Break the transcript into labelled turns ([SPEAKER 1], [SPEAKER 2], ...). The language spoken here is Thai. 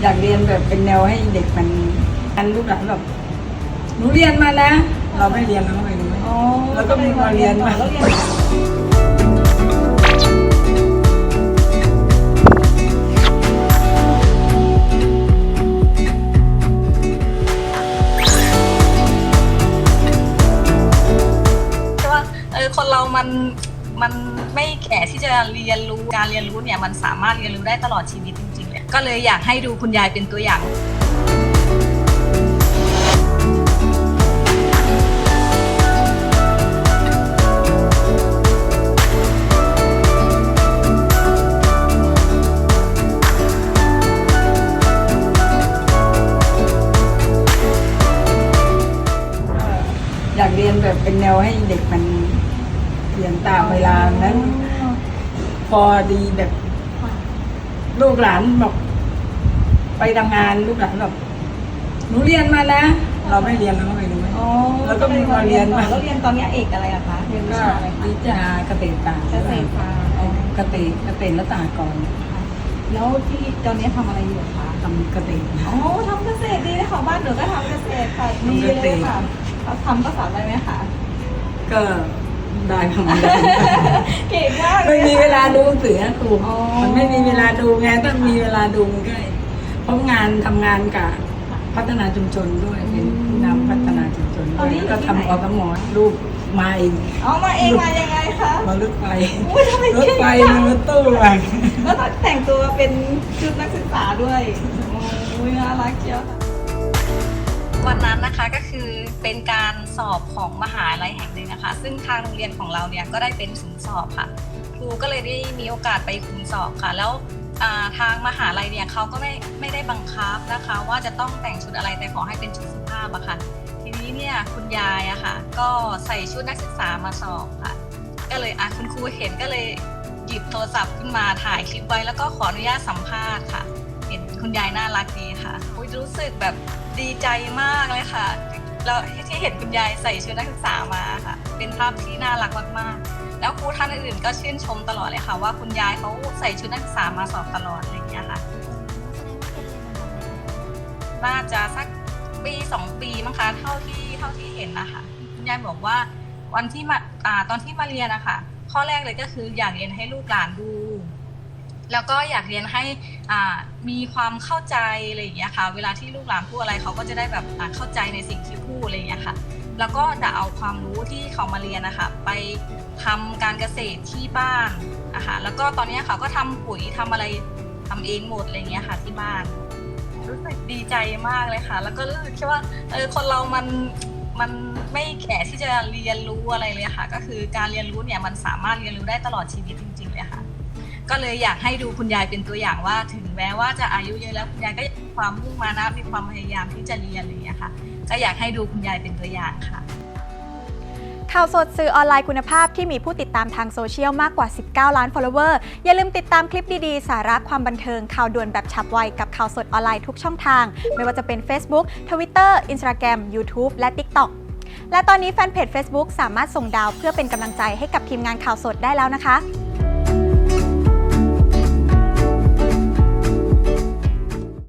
[SPEAKER 1] อยากเรียนแบบเป็นแนวให้เด็กมันลูกหลานแบบหนูเรียนมานะเราไม่เรียนเราก็ไม่รู้แล้วก็มีมาเรียนมา
[SPEAKER 2] คนเรามันไม่แก่ที่จะเรียนรู้การเรียนรู้เนี่ยมันสามารถเรียนรู้ได้ตลอดชีวิตจริงๆเลยก็เลยอยากให้ดูคุณยายเป็นตัวอย่าง
[SPEAKER 1] อยากเรียนแบบเป็นแนวให้เด็กมันเรียนตามเวลานั้นพอดีแบบลูกหลานบอกไปทำงานลูกหลานแบบหนูเรียนมานะเราไม่เรียนเราก็ไม่รู้แล้วก็มีมาเรียนมา
[SPEAKER 3] แล้วเรียนตอนนี้เอกอะไรอะคะเรียนวิชาอะไรคะ
[SPEAKER 1] วิชาเกษตรศาสตร์
[SPEAKER 3] เกษตรศาสตร์
[SPEAKER 1] เกษตรและสหกรณ์
[SPEAKER 3] แล้วที่ตอนนี้ทำอะไรอยู่คะ
[SPEAKER 1] ทำเกษตร
[SPEAKER 3] อ๋อทำเกษตรดีเลยค่ะบ้านหนูก็ทำเกษตรค่ะดีเลยค่ะทำภาษาอะไรไหมคะ
[SPEAKER 1] ก็ได้ทำ
[SPEAKER 3] เก่งมาก
[SPEAKER 1] ไม่มีเวลาดูหนังสือนะครูมันไม่มีเวลาดูไงต้องมีเวลาดูมันก็เพราะทำงานกับพัฒนาชุมชนด้วยเป็นผู้นำพัฒนาชุมชนด้วยแล้วก็ทำอสม.ลูกมาเอง
[SPEAKER 3] มาเองมายังไงคะ
[SPEAKER 1] มารถไฟรถไฟรถตู้มา
[SPEAKER 3] แล้วแต่งตัวเป็นชุดนักศึกษาด้วยโอ้ยน่ารักเชียว
[SPEAKER 2] วันนั้นนะคะก็คือเป็นการสอบของมหาลัยแห่งหนึ่งนะคะซึ่งทางโรงเรียนของเราเนี่ยก็ได้เป็นศูนย์สอบค่ะครูก็เลยได้มีโอกาสไปคุมสอบค่ะแล้วทางมหาลัยเนี่ยเขาก็ไม่ได้บังคับนะคะว่าจะต้องแต่งชุดอะไรแต่ขอให้เป็นชุดสุภาพอะค่ะทีนี้เนี่ยคุณยายอะค่ะก็ใส่ชุดนักศึกษามาสอบค่ะก็เลยคุณครูเห็นก็เลยหยิบโทรศัพท์ขึ้นมาถ่ายคลิปไว้แล้วก็ขออนุญาตสัมภาษณ์ค่ะเห็นคุณยายน่ารักดีค่ะรู้สึกแบบดีใจมากเลยค่ะแล้วที่เห็นคุณยายใส่ชุดนักศึกษามาค่ะเป็นภาพที่น่ารักมากๆแล้วครูท่านอื่นๆก็ชื่นชมตลอดเลยค่ะว่าคุณยายเขาใส่ชุดนักศึกษามาสอบตลอดอะไรอย่างเงี้ยค่ะน่าจะสักปี2 ปีมั้งคะเท่าที่เห็นนะคะคุณยายบอกว่าวันที่มาตอนที่มาเรียนนะคะข้อแรกเลยก็คืออยากเรียนให้ลูกหลานดูแล้วก็อยากเรียนให้มีความเข้าใจอะไรอย่างเงี้ยค่ะเวลาที่ลูกหลานพูดอะไรเขาก็จะได้แบบเข้าใจในสิ่งที่พูดอะไรอย่างเงี้ยค่ะแล้วก็จะเอาความรู้ที่เขามาเรียนนะคะไปทำการเกษตรที่บ้านนะคะแล้วก็ตอนนี้เขาก็ทำปุ๋ยทำอะไรทำเองหมดอะไรเงี้ยค่ะที่บ้านรู้สึกดีใจมากเลยค่ะแล้วก็รู้สึกว่าคนเรามันไม่แก่ที่จะเรียนรู้อะไรเลยค่ะก็คือการเรียนรู้เนี่ยมันสามารถเรียนรู้ได้ตลอดชีวิตจริงๆเลยค่ะก็เลยอยากให้ดูคุณยายเป็นตัวอย่างว่าถึงแม้ว่าจะอายุเยอะแล้วคุณยายก็มีความมุ่งมั่นนะมีความพยายามที่จะเรียนอะไรอย่างเงี้ยค่ะก็อยากให้ดูคุณยายเป็นตัวอย่างค่ะ
[SPEAKER 4] ข่าวสดสื่อออนไลน์คุณภาพที่มีผู้ติดตามทางโซเชียลมากกว่า19 ล้าน follower อย่าลืมติดตามคลิปดีๆสาระความบันเทิงข่าวด่วนแบบฉับไวกับข่าวสดออนไลน์ทุกช่องทางไม่ว่าจะเป็น Facebook Twitter Instagram YouTube และ TikTok และตอนนี้แฟนเพจ Facebook สามารถส่งดาวเพื่อเป็นกำลังใจให้กับทีมงานข่าวสดได้แล้วนะคะ